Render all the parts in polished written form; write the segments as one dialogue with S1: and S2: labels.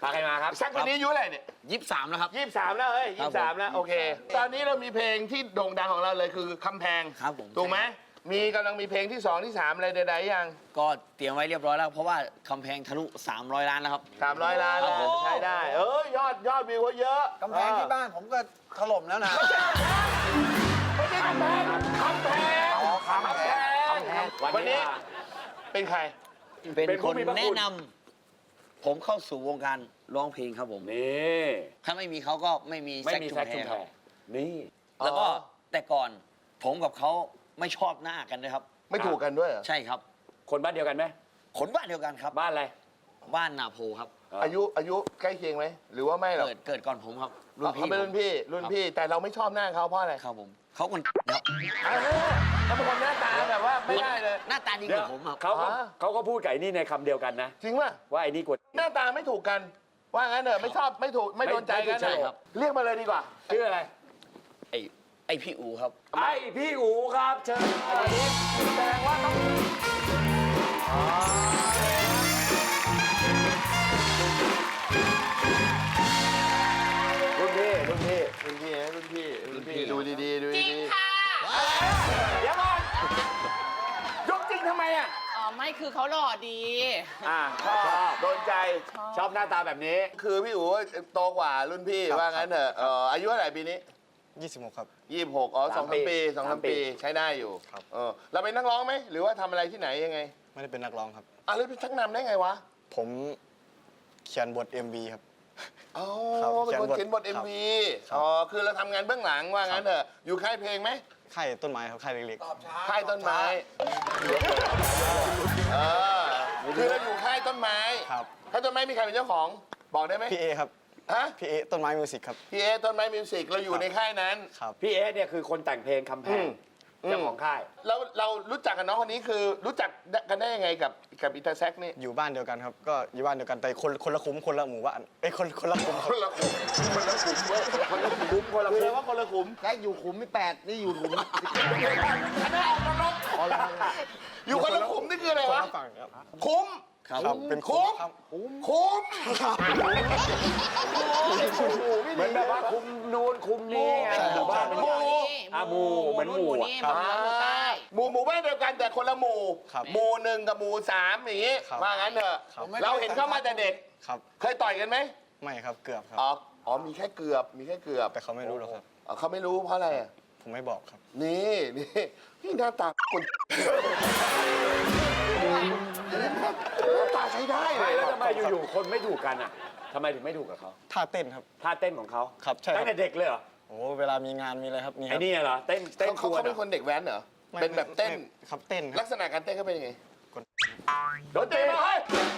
S1: พาใครมาครับ
S2: แซคคนนี้อายุอะไรเนี่ย
S3: 23แล้วครับ
S2: 23แล้วเฮ้ย23แล้วโอเค ตอนนี้เรามีเพลงที่โด่งดังของเราเลยคือคำแพง
S3: ครับผม
S2: ถูกไหมกำลังมีเพลงที่2ที่3อะไรใดๆยัง
S3: ก็เตรียมไว้เรียบร้อยแล้วเพราะว่าคำแพงทะลุ300 ล้านแล้วครับ
S2: 300 ล้านแล้วใช้ได้ยอดวิวเขาเยอะ
S4: กำแพงที่บ้านผมก็ถล่มแล้วนะ
S2: ไม่ใช่กำแพงคำแพง
S4: คำแพง
S2: วันนี้เป็นใคร
S3: เป็นคนแนะนำผมเข้าสู่วงการร้องเพลงครับผม
S1: นี่
S3: ถ้าไม่มีเขาก็ไม่มี
S1: ไม่
S3: แซค
S1: มี
S3: ชุม
S1: แซค
S3: แพ
S1: ชุม
S3: ร
S1: แพ
S3: ครับ
S1: นี่
S3: แล้วก็แต่ก่อนผมกับเขาไม่ชอบหน้ากันเลยครับ
S2: ไม่ถูกกันด้วยเหรอ
S3: ใช่ครับ
S1: คนบ้านเดียวกันไหม
S3: คนบ้านเดียวกันครับ
S1: บ้านอะไร
S3: บ้านนาโพครับ
S2: อายุใกล้เคียงไหมหรือว่าไม่หรอก
S3: เกิดก่อนผมครับ
S2: เขาเป็นรุ่นพี่แต่เราไม่ชอบหน้าเขาเพราะอะไร
S3: ครับผมเขาคนครับ
S2: เขาเป็นคนหน้าตาแบบว่าไม่ได้เลย
S3: หน้าตาดีก
S1: เดี๋ยว
S3: ว่าผมครับ
S1: เขาก็พูดกับไอ้นี่ในคำเดียวกันนะ
S2: จริงป่ะ
S1: ว่าไอ้นี่กด
S2: หน้าตาไม่ถูกกัน ว่างั้นเถอะไม่ชอบไม่ถูกไม่โดนใจกัน
S3: ใช่ครับ
S2: เรียกมาเลยดีกว่า
S1: ชื่ออะไร
S3: ไอพี่อูครับ
S1: ไอ้พี่อูครับเชิญ
S2: แสดงว่าต้องรุ่นพี่ดูดีๆดู
S5: จริง
S2: ดี
S5: ค่ะ
S2: ๆเดี๋ยวก่อนยกจริงทำไมอ่ะ
S5: อ๋อ ไม่คือเขาหล่อดี
S2: ชอบโดนใจ
S1: ชอบหน้าตาแบบนี้
S2: คือพี่อู๋โตกว่ารุ่นพี่ว่างั้นเถอะอายุเท่าไหร่ปีนี้
S4: 26 ครับ
S2: 26อ๋อ
S1: สาม
S2: 2-3 ปี
S1: สาม
S2: 2-3
S1: ปี
S2: ปีใช้ได้อยู่
S4: ครับ
S2: เราเป็นนักร้องไหมหรือว่าทำอะไรที่ไหนยังไง
S4: ไม่ได้เป็นนักร้องครับ
S2: แล้วไปชักนำได้ไงวะ
S4: ผมเขียนบท MV ครับ
S2: อ๋อ
S4: ครับ
S2: เป็นคนเขียนบท
S4: ครับ
S2: MV
S4: ครับ
S2: อ๋อคือเราทำงานเบื้องหลังว่างั้นเถอะอยู่ค่ายเพลงไหม
S4: ค่ายต้นไม้ครับค่ายเล็ก
S2: ค่ายต้นไม้เออคือเราอยู่ค่ายต้นไม้
S4: ๆ ครับ
S2: ค่ายต้นไม้มีใครเป็นเจ้าของบอกได้ไหม
S4: พี่เอครับ
S2: ฮะ
S4: พี่เอต้นไม้มิวสิกครับ
S2: พี่เอต้นไม้มิวสิกเราอยู่ในค่ายนั้น
S4: ครับ
S1: พี่เอสเนี่ยคือคนแต่งเพลงคำแพงเจ้าของค่าย
S2: แล้วเรารู้จักกับน้องคนนี้คือรู้จักกันได้ยังไงกับอิตาแซกนี่
S4: อยู่บ้านเดียวกันครับ ก็อยู่บ้านเดียวกันแต่คนละคุ้มคนละหมู่บ้านคนละคุ้มค
S2: ครับ นละขุมคนละขุมเว้ยคนละขุมคนละขุมคือว่าคนละขุม
S3: แซคอยู่ขุมที่8นี่อยู่ขุม
S2: อันนั้นออกนรกอยู่คนละขุมนี่คืออะไร
S4: คน
S2: วะ
S4: ละฝั่งครับ
S2: คุ้ม
S4: ครับเป็น
S2: คุ้ม
S4: ครับ
S2: คุ้ม
S1: เหมือนแบบว่าคุมนูนคุมนี้ไงหมู่บ้านเป็น
S2: หมู่
S1: หมู่เหมือนหมู่
S5: นี่
S1: อะ
S5: หมู่ใต้
S2: หมู่บ้านเดียวกันแต่คนละหมู่
S4: ครับ
S2: หมู่หนึ่งกับหมู่สามอย่างงี้
S4: ครับ
S2: ว่างั้นเถอะ
S4: ครับ
S2: เราเห็นเข้ามาแต่เด็ก
S4: ครับ
S2: เคยต่อยกันไหม
S4: ไม่ครับเกือบครับ
S2: อ๋อมีแค่เกือบ
S4: แต่เขาไม่รู้หรอกครับ
S2: เขาไม่รู้เพราะอะไรอ่ะ
S4: ผมไม่บอกครับ
S2: นี่พี่หน้าตาคนหน้าตาใช้ได้เล
S1: ไม่
S2: ย
S1: แล้วทำไมอยู่ๆคนไม่ถูกกันอ่ะทำไมถึงไม่ถูกกับเขา
S4: ท่าเต้นครับ
S1: ท่าเต้นของเขา
S4: ครับใช่ครับ
S1: ตั้งแต่เด็กเลยเหรอ
S4: โอ้เวลามีงานมีอะไรครับมีค
S1: ไอ้
S4: รับ
S1: นี่เหรอเต้น
S2: เขา
S1: กวน
S2: เป็นคนเด็กแว้นเหรอ
S4: ไม่
S2: เป็นแบบเต้น
S4: ไม่ครับเต้นค
S2: ลั
S4: รับ
S2: กษณะการเต้นเขาเป็นยังไง
S1: โดนตีมาเฮ้ย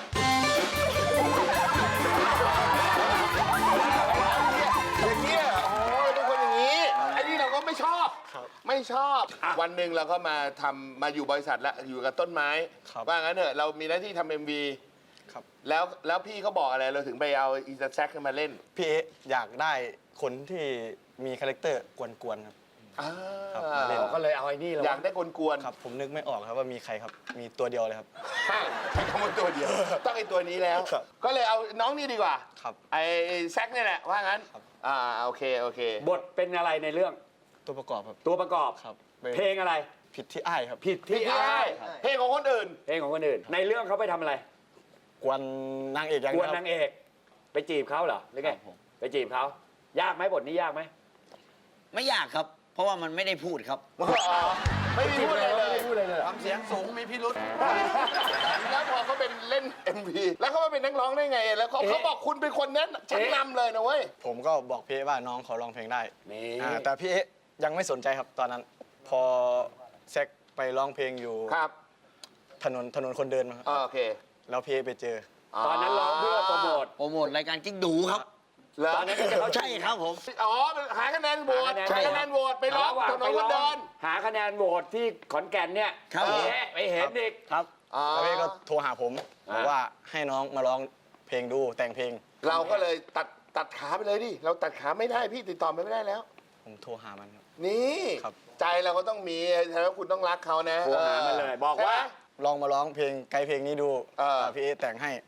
S2: อย่างเงี้ยโอ้ยเป็นคนอย่างนี้ไอ้นี่เราก็ไม่ชอบ ไม่ชอบ วันหนึ่งเราก็มาอยู่บริษัทแล้วอยู่กับต้นไม้
S4: ครับ
S2: ว่างั้นเถอะเรามีหน้าที่ทำ MV
S4: ครับ
S2: แล้วพี่เขาบอกอะไรเราถึงไปเอาอีสแซกมาเล่น
S4: พี่เออยากได้คนที่มีคาแรคเตอร์กวนๆครับ ครับมาเล่น
S1: ก็เลยเอาไอ้นี่แล้ว
S2: อยากได้กวน
S4: ครับผมนึกไม่ออกครับว่ามีใครครับ มีตัวเดียวเลยครับ
S2: ใช่ใช้คำว่าตัวเดียว ต้องไอ้ตัวนี้แล้ว
S4: ครับ
S2: ก็เลยเอาน้องนี่ดีกว่า
S4: ครับ
S2: ไอ้แซกนี่แหละว่างั้น
S4: ครับ
S2: โอเค
S1: บทเป็นอะไรในเรื่อง
S4: ตัวประกอบครับ
S1: ตัวประกอบ
S4: ครับ
S1: เพลงอะไร
S4: ผิดที่อ้ายครับ
S1: ผิด
S2: พี่
S1: ที่
S2: ไอ้
S1: อ้าย
S2: เพลงของคนอื่น
S1: เพลงของคนอื่น ในเรื่องเขาไปทำอะไร
S4: กวนนางเอกอย่าง
S1: ก
S4: เดี
S1: วย น
S4: วครั
S1: นา
S4: บ
S1: งเอกไปจีบเขาเหรอหรือไง
S3: ครับผม
S1: ไปจีบเขายากไหมบทนี้ยากไหม
S3: ไม่ยากครับ เพราะว่ามันไม่ได้พูดครับ
S2: ไม่มีพูดอะไรเลย
S4: ทำเสียงสูงมีพิรุษ
S2: แล้วพอเขาเป็นเล่น MV แล้วเขามาเป็นนักร้องได้ไง แล้วเขาบอกคุณเป็นคนนั้นชักนำเลยนะเว้ย
S4: ผมก็บอกพี่เอว่าน้องขอร้องเพลงได้
S1: นี่
S4: แต่พี่เอยังไม่สนใจครับตอนนั้น พอแซกไปร้องเพลงอยู่
S2: ครับ
S4: ถนนคนเดินมาครับ
S2: โอเค
S4: แล้วพี่เอไปเจอ
S1: ตอนนั้นร้องเพื่อโปรโมท
S3: โปรโมทรายการกิ๊กดูครับ
S2: เหรอ
S1: ตอนนั้นก็จะเข้า
S3: ใช่ครับผม
S2: อ๋อหาคะแนนโหวต
S1: ใช่
S2: หา
S1: ครับ
S2: คะแนนโหวตไปร้องถนนคนเดิน
S1: หาคะแนนโหวตที่ขอนแก่นเนี่ย
S3: ครับ
S1: ไปเห็นอีก
S3: ครับ
S4: แล้วพี่ก็โทรหาผมบอกว่าให้น้องมาร้องเพลงดูแต่งเพลง
S2: เราก็เลยตัดขาไปเลยดิ เราตัดขาไม่ได้พี่ติดต่อไม่ได้แล้ว
S4: ผมโทรหามันครับ
S2: นี่
S4: ครับ
S2: ใจเราก็ต้องมีแล้วคุณต้องรักเขานะ
S1: โทรหามันเลยบอกว่า
S2: ใช่ไห
S4: ลองมาร้องเพลงไกลเพลงนี้ดู
S2: เออ
S4: พี่เอแต่งให้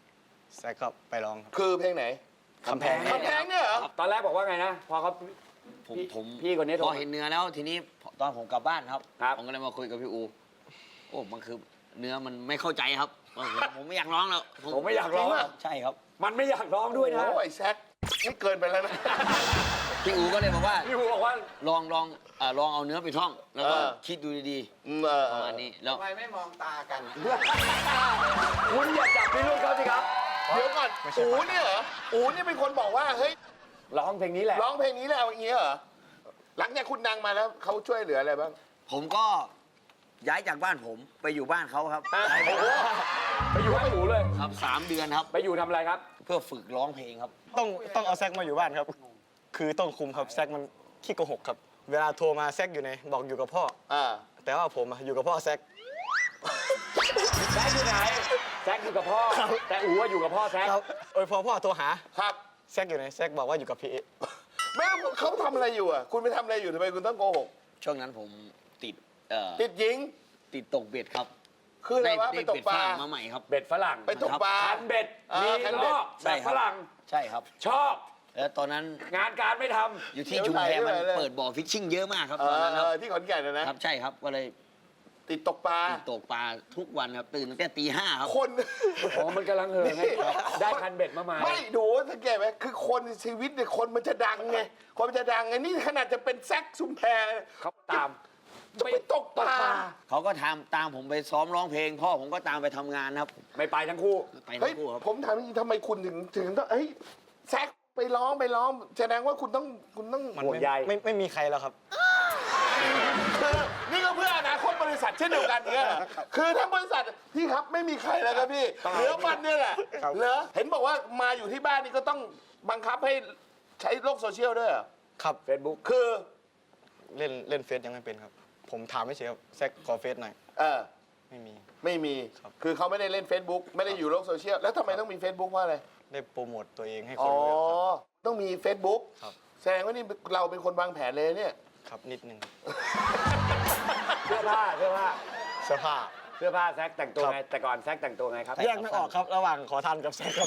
S4: แซกก็ไปร้องครับ
S2: คือเพลงไหน
S4: คำแพง
S2: คำแพงเนี่ยเหรอ
S1: ตอนแรกบอกว่าไงนะ พอเขา
S3: ผม
S1: พี่คนนี้โทร
S3: พอเห็นเนื้อแล้วทีนี้ตอนผมกลับบ้านครับ
S1: ครับ
S3: ผมก็เลยมาคุยกับพี่อูโอ้มันคือเนื้อมันไม่เข้าใจครับผมไม่อยากร้องแล้ว
S1: ผมไม่อยากร้อง
S2: จริง
S1: อะ
S2: ปะ
S3: ใช่ครับ
S1: มันไม่อยากร้องด้วยนะ
S2: โอ้ยแซกนี่เกินไปแล้วนะ
S3: พี่อูก็เลยบอกว่า
S1: พี่อูบอกว่า
S3: ลองเอาเนื้อไปท่อง แล้วก็
S2: เออ
S3: คิดดูดี
S2: เออ
S3: ๆประมาณนี้แล้ว
S5: ทำไมไม่มองตากัน
S1: คุณอย่าจับพี่ลูกเขาสิครับ
S2: เดี๋ยวก่อนอูเนี่ยเหรออูเนี่ยเป็นคนบอกว่าเฮ้ย
S1: ร้องเพลงนี้แหละ
S2: ร้องเพลงนี้แล้วอย่างเงี้ยเหรอหลังจากคุณดังมาแล้วเขาช่วยเหลืออะไรบ้าง
S3: ผมก็ย้ายจากบ้านผมไปอยู่บ้านเขาครับ
S1: โอ้โหไปอยู่ให้หมูเลย
S3: ครับ3 เดือนครับ
S1: ไปอยู่ทำอะไรครับ
S3: เพื่อฝึกร้องเพลงครับ
S4: ต้องเอาแซกมาอยู่บ้านครับ คือต้องคุมครับแซกมันขี้โกหกครับ เวลาโทรมาแซกอยู่ไหนบอกอยู่กับพ่อ แต่ว่าผมอะอยู่กับพ่อแซก
S1: แซกอยู่ไหน แซกอยู่กับพ่อ แต่อู๋ว่าอยู่กับพ่อแซก
S4: ครับโอ้ยพอพ่อโทรหา
S2: ครับ
S4: แซกอยู่ไหนแซกบอกว่าอยู่กับพี่เอ
S2: แม่เขาทำอะไรอยู่อ่ะคุณไปทำอะไรอยู่ทำไมคุณต้องโกหก
S3: ช่วงนั้นผมติด
S2: ติดหญิง
S3: ติดตกเบ็ดครับ
S2: คืออะไรวะไปตกปลา
S3: เบ็ดฝรั่งมาใหม่ครับ
S1: เบ็ดฝรั่ง
S2: ไปตกปลา
S1: คันเบ็ด มี
S2: คันเบ็ด
S1: ล้อ
S3: ใช่
S1: แบบ
S3: ครั
S1: ฝ
S3: บ
S1: รั่ง
S3: ใช่ครับ
S1: ชอบ
S3: แล้วตอนนั้น
S1: งานการไม่ท
S3: อยู่ที่ชุมแพมันเปิดบ่อฟิชชิ่งเยอะมากครับตอนนั้นครับ
S2: ที่ขอนแก่นนะ
S3: ครับใช่ครับก็เลย
S2: ติดตกปลา
S3: ติดตกปลาทุกวันครับตื่นตั้งแต่ตี 5ครับ
S2: คน
S1: ำอ๋อมันกำลังเหิงไงได้คันเบ็ดมาใหม่
S2: ไม่ดูสังเกตไหมคือคนชีวิตเนี่ยคนมันจะดังไงคนมันจะดังไงนี่ขนาดจะเป็นแซกชุมแพ
S1: เขาตาม
S2: จะไปตกปลา
S3: เขาก็ตามผมไปซ้อมร้องเพลง พ่อผมก็ตามไปทำงานครับ
S1: ไม่ไปทั้งคู่
S3: ไป
S2: เฮ้
S3: ทั้
S2: ย
S3: งคู่ครับ
S2: ผมถามจริงๆทำไมคุณถึงต้องเฮ้ยแซกไปร้องแสดงว่าคุณต้อง
S4: มัน
S1: ห่วงใย
S4: ไม่มีใครแล้วครับ
S2: คือนี่ก็เพื่ออนาคตบริษัทเช่นเดียวกันเนี่ยคือทั้งบริษัทพี่ครับไม่มีใครแล้วครับพี่เหลือมันเนี่ยแหละ
S4: ครับ
S2: เหลือเห็นบอกว่ามาอยู่ที่บ้านนี่ก็ต้องบังคับให้ใช้โลกโซเชียลด้วยเหรอ
S4: ครับ
S1: เฟซบุ๊ก
S2: คือ
S4: เล่นเฟซยังไม่เป็นครับ ผมถามไม่เฉยครับแซกขอเฟซหน่อย ไม่มี
S2: ไม่มี
S4: ครับ
S2: คือเขาไม่ได้เล่น Facebook ไม่ได้อยู่โลกโซเชียลแล้วทำไมต้องมี Facebook เพราะอะไร
S4: ได้โปรโมทตัวเองให้ค
S2: อ๋
S4: น
S2: อ
S4: รู้ครับ
S2: ต้องมี Facebook
S4: ครับ
S2: แสดงว่านี่เราเป็นคนวางแผนเลยเนี่ย
S4: ครับนิดนึง
S1: เสื้อผ้า
S4: เสื้อผ้า
S1: เสื้อผ้าแซกแต่งตัว
S4: ครับ
S1: ไง แต่ก่อนแซกแต่งตัวไงครับ
S4: แยกไม่ออกครับระหว่างขอทานกับแซกครับ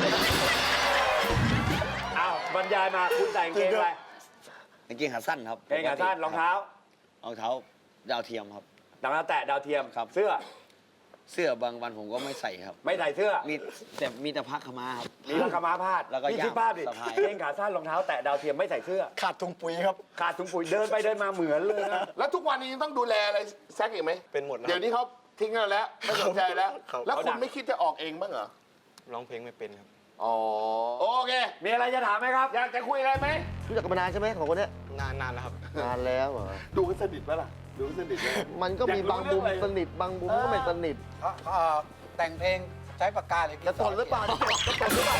S1: อ้าวบรรยายมาคุณใส่กางเกงอะไร
S3: กางเกงขาสั้นครับ
S1: กางเกงขาสั้นรองเท้า
S3: รองเท้าดาวเทียมครับ
S1: รองเท้าแตะดาวเทียม
S3: ครับ
S1: เสื้อ
S3: เสื้อบางวันผมก็ไม่ใส่ครับ
S1: ไม่ใส่เสื้อ
S3: มีแต่ผ้าขาวม้าครับ
S1: มีผ้าขาวม้าพาด
S3: แล้วก็
S1: นี่
S3: ย่าม
S1: คิดภาพดิ
S3: สะพาย
S1: เกงขาสั้นรองเท้าแตะดาวเทียมไม่ใส่เสื้อ
S4: ขาดถุงปุ๋ยครับ
S1: ขาดถุงปุ๋ยเดินไปเดินมาเหมือนเลยนะ
S2: แล้วทุกวันนี้ยังต้องดูแลอะไรแซกอีกไหม
S4: เป็นหมดแล้ว
S2: เดี๋ยวนี้เขาทิ้งเราแล้วไม่สนใจแล้ว
S4: ครับ
S2: แล้วคุณไม่คิดจะออกเองบ้างเหรอ
S4: ร้องเพลงไม่เป็นครับ
S2: อ๋อโอเค
S1: มีอะไรจะถามไหมครับ
S2: อยากจะคุยอะไรไหม
S6: รู้จักกันมานานใช่ไหมของคนเนี้ย
S4: นานแล้วครับ
S6: นานแล้วเหรอ
S2: ดูกันสนิทปะล่ะดูกันสนิทไหม
S6: มันก็มีบางมุมสนิทบางมุมก็ไม่สนิท
S5: แต่งเพลงใช้ปากกาหรือ
S6: จะตนหรือเปล่าจะตนหรือเปล่า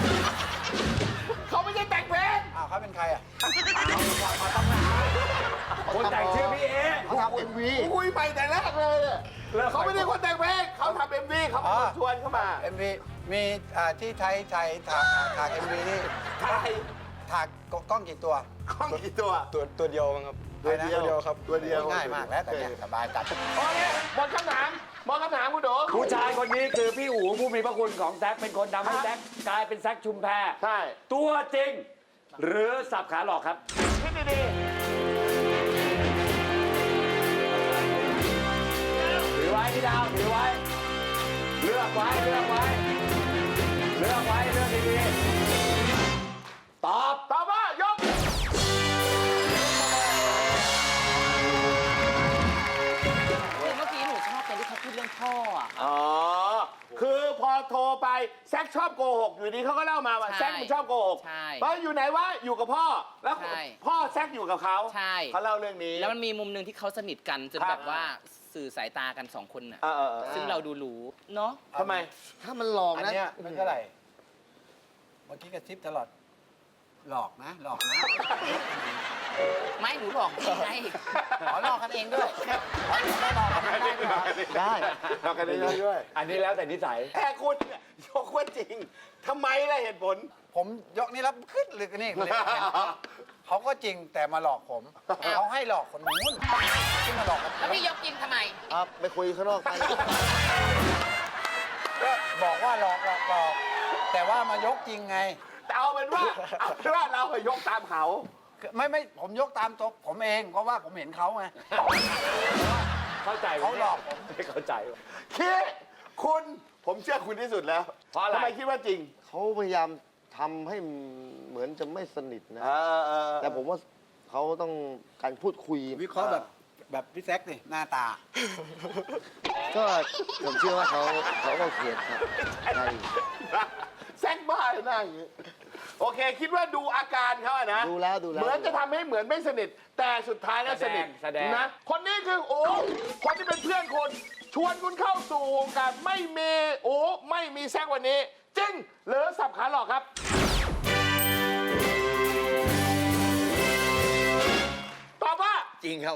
S2: เขาไม่ใช่แต่งเพลง
S5: อ้าวเขาเป็นใครอ่ะ
S1: คนแต่งชื่อพี่เอ
S6: เขาทำเอ็มวี
S2: คุยใหม่แต่แรกเลยเนี่ย
S1: แล้ว
S2: เขาไม่ได้คนแต่งเพลงเขาทำเอ็มวีเขาเป็นคนชวนเข้ามา
S5: MV มีที่ไทยถาก MV นี่
S2: ถ่าย
S5: ถากกล้องกี่ตัว
S2: กล้องกี่ตัว
S4: ตัวเดียวมั้งครับ
S2: ตัวเดียว
S4: ครับ
S2: ตัวเดียว
S5: ง่ายมากแล้วแต่เนี่ยสบายจัด
S2: โอเคหมดคำถามคุณโด
S1: ผู้ชายคนนี้คือพี่อู๋ผู้มีพระคุณของแซกเป็นคนทำให้แซกกลายเป็นแซกชุมแพ
S2: ใช่
S1: ตัวจริง หรือสับขาหลอกครับ
S2: คิดดี
S1: ถือไว้พี่ดาวถือไว้ เลือกไว้เลือกไว้เลือกไว้เลือกดีๆตอบ
S2: ๆตอบว่ายก
S7: คือเมื่อกี้หนูชอบตอนที่เขาพูดเรื่องพ่ออ่ะ
S2: อ๋อ คือพอโทรไปแซกชอบโกหกอยู่ดีเขาก็เล่ามาว่า
S7: ใช่
S2: แซกมันชอบโกหก
S7: ใช่
S2: เพราะอยู่ไหนวะอยู่กับพ่อ แล้ว
S7: ใช่
S2: พ่อแซกอยู่กับเขา
S7: ใช่
S2: เขาเล่าเรื่องนี้
S7: แล้วมันมีมุมหนึ่งที่เขาสนิทกันจน
S2: ครับ
S7: แบบว่าสื่อสายตากันสองคนน่ะ
S2: เออ
S7: ซึ่งเราดูรู้เนาะ
S2: ทำไม
S6: ถ้ามันหลอก
S5: อัน
S6: นะ
S5: เนี้ยเป็นเท่าไหร่ เมื่อกี้กระซิบตลอด หลอกนะ หลอกนะ
S7: ไม่หนูหลอกพี่ไงขอหลอกกันเองด้วย
S5: ไม่หลอกกันไม่ได้ด้วยเหรอ
S6: ได้
S2: เรากันได้ด้วย
S1: อันนี้แล้วแต่นิสัย
S2: แต่คุณเนี่ยยกว่าจริงทำไมล่ะเหตุผล
S5: ผมยกนี่แล้วขึ้นเลยกันนี่เลยเห็นเขาก็จริงแต่มาหลอกผม เขาให้หลอกคนนู้นที่มาหลอกกัน
S7: แล้วพี่ยกยิงทำไม
S6: ครับไปคุยข้างนอกไป
S5: ก็บอกว่าหลอกแต่ว่ามายกจริงไง
S2: แต่เอาเป็นว่าเราไปยกตามเขา
S5: ไม่ผมยกตามตัวผมเองเพราะว่าผมเห็นเขาไง
S1: เข้าใจ
S5: เขาหลอกผม
S1: ไม่เข้าใจ
S2: คิดคุณผมเชื่อคุณที่สุดแล้ว
S1: เพราะอะไร
S2: ทำไมคิดว่าจริง
S6: เขาพยายามทำให้เหมือนจะไม่สนิทนะ แต่
S2: แต่
S6: ผมว่าเขาต้องการพูดคุย
S5: วิเคราะห์แบบพี่แซกนี่หน้าตา
S6: ก็ผมเชื่อว่าเขาก็เขียนครับใช่
S2: แซกบ้าเลยหน้าอย่างนี้โอเค คิดว่าดูอาการเขาอะนะ
S6: ดูแล้ว
S2: เหมือนจะทำให้เหมือนไม่สนิท แต่สุดท้ายแล้วสนิท
S1: แสดง
S2: นะคนนี้คือโอ้คนที่เป็นเพื่อนคุณชวนคุณเข้าสู่วงการไม่มีโอ้ไม่มีแซกวันนี้ จริงหรือสับขาหลอกครับ ตอบว่า
S3: จริงครับ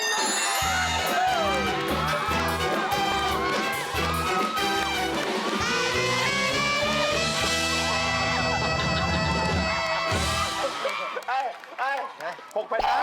S2: 6,500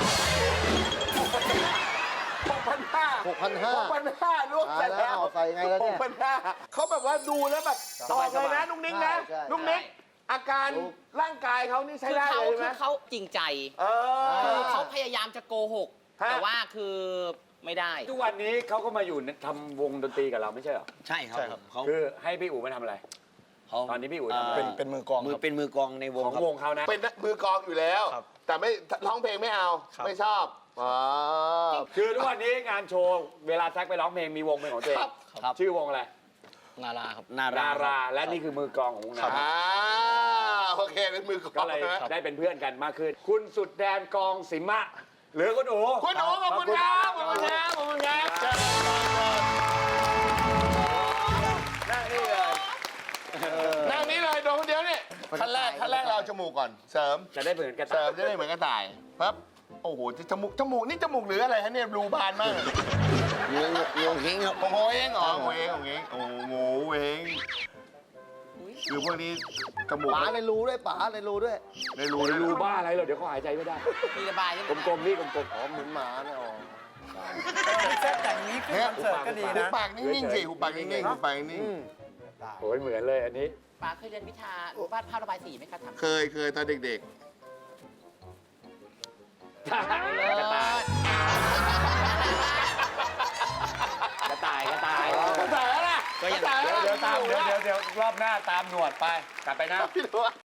S2: 6,500รวมเสร็จแล้ว
S6: ใส่ไงแล้วเนี่ย
S2: 6,500เขาแบบว่าดูแล้วแบบตอบเลยนะนุ้งนิ้งนะ
S6: ใช่
S2: นุ้งนิ้งอาการร่างกายเขานี่ใช้
S7: คือ
S2: ได้
S7: เขา
S2: เลยไหม
S7: คือเขาจริงใจ
S2: เอ
S7: คือ
S2: อ
S7: เขาพยายามจะโกหก
S2: ฮะ
S7: แต่ว่าคือไม่ได้
S1: ทุกวันนี้เขาก็มาอยู่ทำวงดนตรีกับเราไม่ใช่เหรอ
S3: ใช่ครับ
S4: ใช่ครับ
S3: เขา
S1: คือให้พี่อู๋มาทำอะไร
S3: เขา
S1: ตอนนี้พี่อู๋ทำอะไร
S4: เป็นมือกลองครับ
S3: เป็นมือกลองในวง
S1: ของ
S3: ครับ
S1: วงเขานะ
S2: เป็นมือกลองอยู่แล้ว
S4: ครับ
S2: แต่ไม่ร้องเพลงไม่เอา
S4: ครับ
S2: ไม่ชอบอ๋อ
S1: คือทุกวันนี้งานโชว์เวลาแซกไปร้องเพลงมีวงเป็นของตัวเอง
S3: ครับ
S1: ชื่อวงอะไร
S4: นาราครับ
S3: นารา
S1: ดา
S3: ค
S1: รา
S3: บ
S1: และนี่คือมือกลองของวงนา
S2: อ่า
S1: รา
S2: โอเคเป็นมือกล
S1: ก็
S2: อง
S1: เลย
S2: นะ
S1: ได้เป็นเพื่อนกันมากขึ้น คุณสุดแดนกองสิมะ หรือคุณอู๋
S2: คุณโอ๋ขอบคุณครับขอบคุณครับขอบคุณครับเชิญนั่งนี่เลยนั่งนี่เลยโดนคนเดียวนี่ขั้นแรกเราเอาจมูกก่อนเสริม
S1: จะได้เหมือนกัน
S2: เสริมจะได้เหมือนกระต่ายปั๊บโอ้โหจมูกนี่จมูกหรืออะไรฮะเนี่ยรูบานมาก
S3: วงเฮงครับ
S2: โอ้โหเองเหรอโอ้โหเองโอ้โหเองโอ้โหเองคือพวกนี้จมูก
S6: ป๋าในรูด้วยป๋าในรูด้วย
S2: ในรู
S1: รูบ้าอะไรเหรอเดี๋ยวเขาหายใจไม่ได้
S7: มีระบายใช่ไหม
S1: กลมๆนี่กลม
S6: อ๋อเหมือนหมาเนี่ยอ๋อ
S5: พี่แซกแต่งนี้ขึ้นคอนเสิร์ตก็ดี
S2: หู
S5: นะ
S2: ปากนิ่งๆสิหูปากนิ่งๆหูปากนิ่ง
S1: ๆโอ้ยเหมือนเลยอันนี้
S7: ป้าเคยเรียนวิชาวาดภาพระบายสีไหมคะทำ
S2: เคยตอนเด็ก
S1: กระต่ายกระต่ายกระต่าย
S2: ๆภาษาอะไร
S3: ก็ยัง
S2: ภาษาอะไร
S1: เดี๋ยวรอบหน้าตามหนวดไปกลับไปนะ
S2: พี่หนู